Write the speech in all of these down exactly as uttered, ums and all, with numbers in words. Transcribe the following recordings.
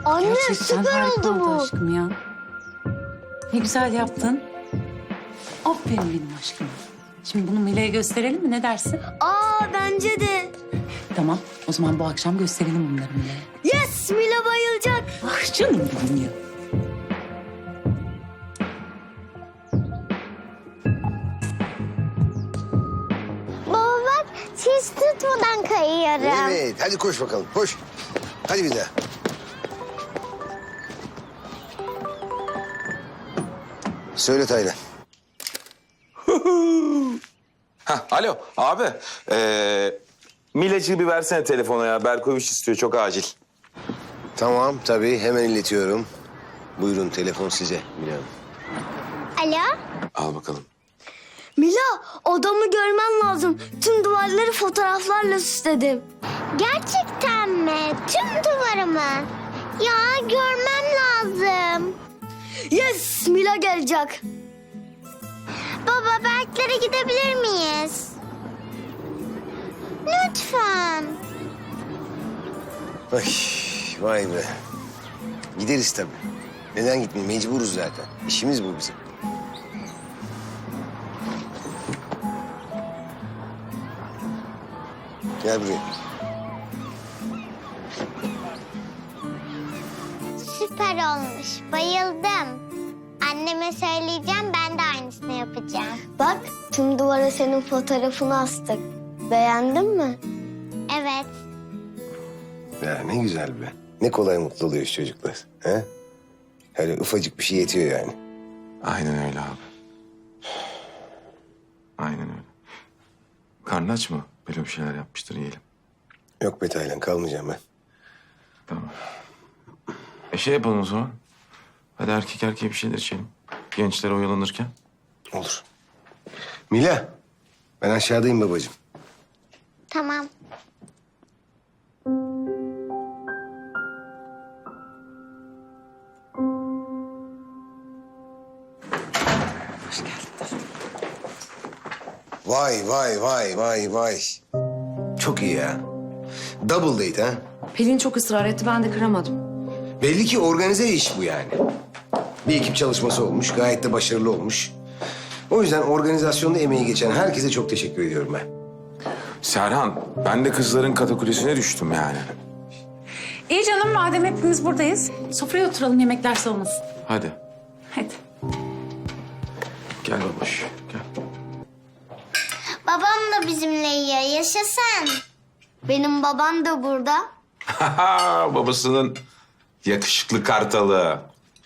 Anne Gerçekten süper harika oldu bu. aşkım ya. Ne güzel yaptın. Aferin benim aşkım. Şimdi bunu Mila'ya gösterelim mi? Ne dersin? Aa bence de. Tamam. O zaman bu akşam gösterelim bunları Mila'ya. Yes Mila bayılacak. Ah canım benim ya. Baba bak hiç tutmadan kayıyorum. Evet, hadi koş bakalım, koş. Hadi bir daha. Söyle Taylan. Hah, alo abi. Ee, Milacığı bir versene telefona ya. Berkoviç istiyor çok acil. Tamam, tabii hemen iletiyorum. Buyurun, telefon size Mine Hanım. Alo? Al bakalım. Mila odamı görmen lazım. Tüm duvarları fotoğraflarla süsledim. Gerçekten mi? Tüm duvarı mı? Ya görmem lazım. Yes Mila gelecek. Baba Berklere gidebilir miyiz? Lütfen. Ay, vay be. Gideriz tabii. Neden gitmeyeyim? Mecburuz zaten. İşimiz bu bizim. Gel buraya. Süper olmuş. Bayıldım. Anneme söyleyeceğim, ben de aynısını yapacağım. Bak tüm duvara senin fotoğrafını astık. Beğendin mi? Evet. Ya ne güzel be. Ne kolay mutlu oluyoruz çocuklar. He? Öyle ufacık bir şey yetiyor yani. Aynen öyle abi. Aynen öyle. Karnın aç mı? Böyle bir şeyler yapmıştır yiyelim. Yok be Taylan, kalmayacağım ben. Tamam. E şey yapalım o zaman. Hadi erkek erkeğe bir şeyler içelim. Gençler oyalanırken. Olur. Mila, ben aşağıdayım babacığım. Tamam. Hoş geldin. Vay vay vay vay vay. Çok iyi ya. Double date ha. Pelin çok ısrar etti, ben de kıramadım. Belli ki organize iş bu yani. Bir ekip çalışması olmuş, gayet de başarılı olmuş. O yüzden organizasyonda emeği geçen herkese çok teşekkür ediyorum ben. Serhan, ben de kızların katakulesine düştüm yani. İyi canım madem hepimiz buradayız. Sofraya oturalım yemekler soğumasın. Hadi. Hadi. Gel babuş, gel. Babam da bizimle yiyor. Yaşasın. Benim babam da burada. Babasının yakışıklı kartalı.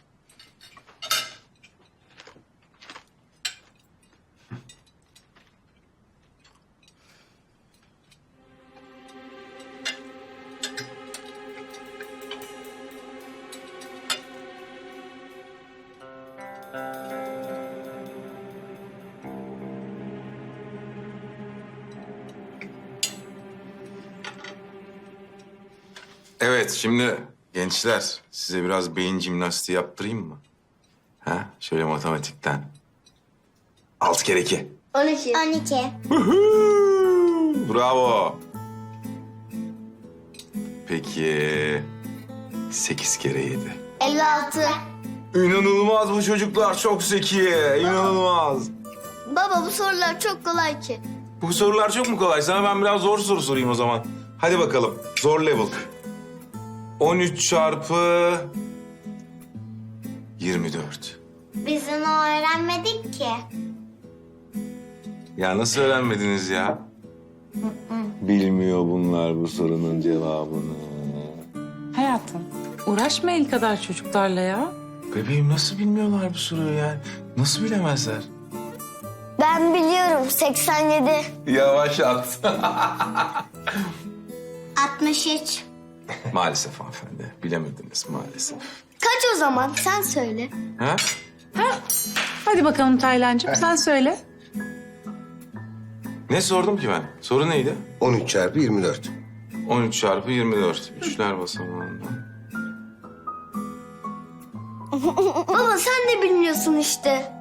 Evet, şimdi gençler size biraz beyin jimnastiği yaptırayım mı? Ha, şöyle matematikten. Altı kere iki. on iki. on iki. Bravo. Peki sekiz kere yedi. elli altı. İnanılmaz bu çocuklar, çok zeki. İnanılmaz. Baba bu sorular çok kolay ki. Bu sorular çok mu kolay? Sana ben biraz zor soru sorayım o zaman. Hadi bakalım, zor level. on üç çarpı yirmi dört. Biz onu öğrenmedik ki. Ya nasıl öğrenmediniz ya? Bilmiyor bunlar bu sorunun cevabını. Hayatım uğraşma el kadar çocuklarla ya. Bebeğim nasıl bilmiyorlar bu soruyu yani? Nasıl bilemezler? Ben biliyorum seksen yedi. Yavaş at. altmış üç. Maalesef hanımefendi. Bilemediniz maalesef. Kaç o zaman sen söyle. Ha? Hadi bakalım Taylancığım sen söyle. Ne sordum ki ben? Soru neydi? on üç çarpı yirmi dört. on üç çarpı yirmi dört. Üçler basamağından. Baba sen de bilmiyorsun işte.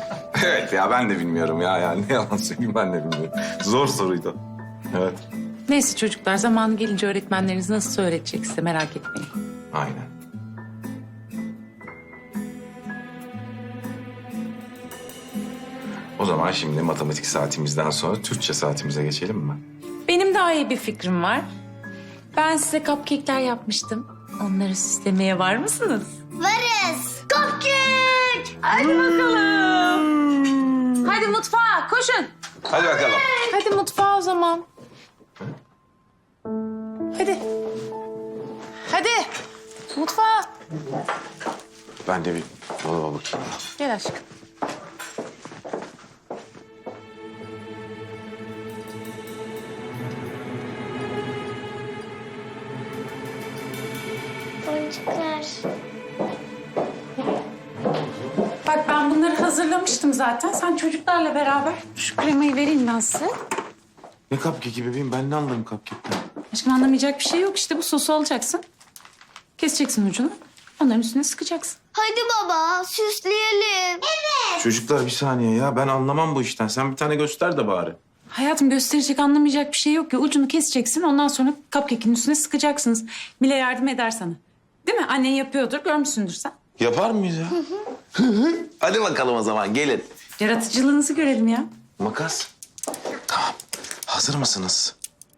Evet ya ben de bilmiyorum ya. Yani ne yalan söyleyeyim ben de bilmiyorum. Zor soruydu. Evet. Neyse çocuklar, zamanı gelince öğretmenleriniz nasıl öğretecek size, merak etmeyin. Aynen. O zaman şimdi matematik saatimizden sonra Türkçe saatimize geçelim mi? Benim daha iyi bir fikrim var. Ben size cupcake'ler yapmıştım. Onları süslemeye var mısınız? Varız. Cupcake! Hadi bakalım. Hadi mutfağa koşun. Hadi bakalım. Hadi mutfağa o zaman. Hadi. Hadi. Mutfağa. Ben de bir dolaba bakayım. Gel aşkım. Boncuklar. Bak ben bunları hazırlamıştım zaten. Sen çocuklarla beraber şu kremayı vereyim ben size. Ne cupcake'i bebeğim? Ben ne anlarım cupcake'ten? Aşkım anlamayacak bir şey yok. İşte bu sosu alacaksın. Keseceksin ucunu. Onların üstüne sıkacaksın. Hadi baba süsleyelim. Çocuklar bir saniye ya. Ben anlamam bu işten. Sen bir tane göster de bari. Hayatım gösterecek, anlamayacak bir şey yok ya. Ucunu keseceksin. Ondan sonra cupcake'in üstüne sıkacaksınız. Mile yardım eder sana. Değil mi? Annen yapıyordur. Görmüşsündür sen. Yapar mıyız ya? Hadi bakalım o zaman gelin. Yaratıcılığınızı görelim ya. Makas. Tamam. Hazır mısınız?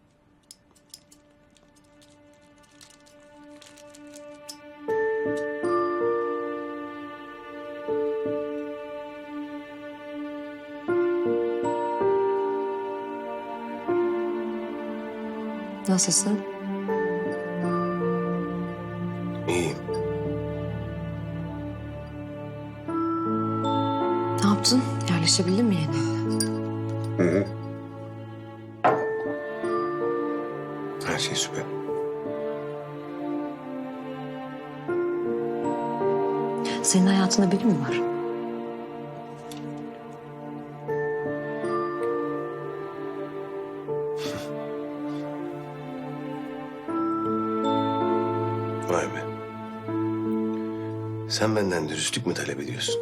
Nasılsın? İyiyim. Ne yaptın? Yerleşebildin mi yeni? Hı hı. Her şey süper. Senin hayatında biri mi var? Vay be. Sen benden dürüstlük mü talep ediyorsun?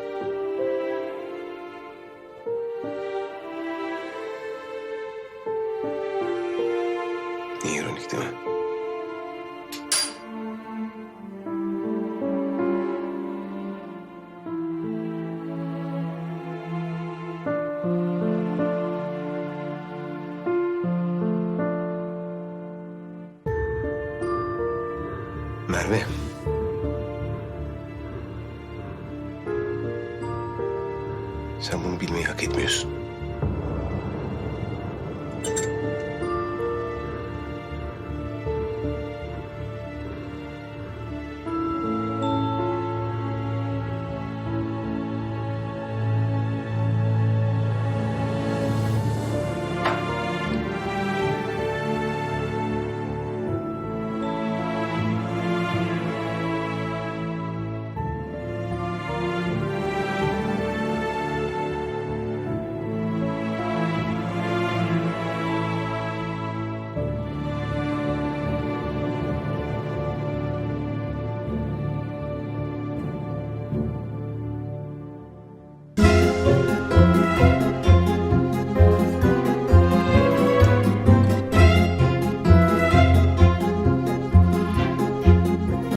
Ne ironik değil mi? Merve. Sen bunu bilmeyi hak etmiyorsun.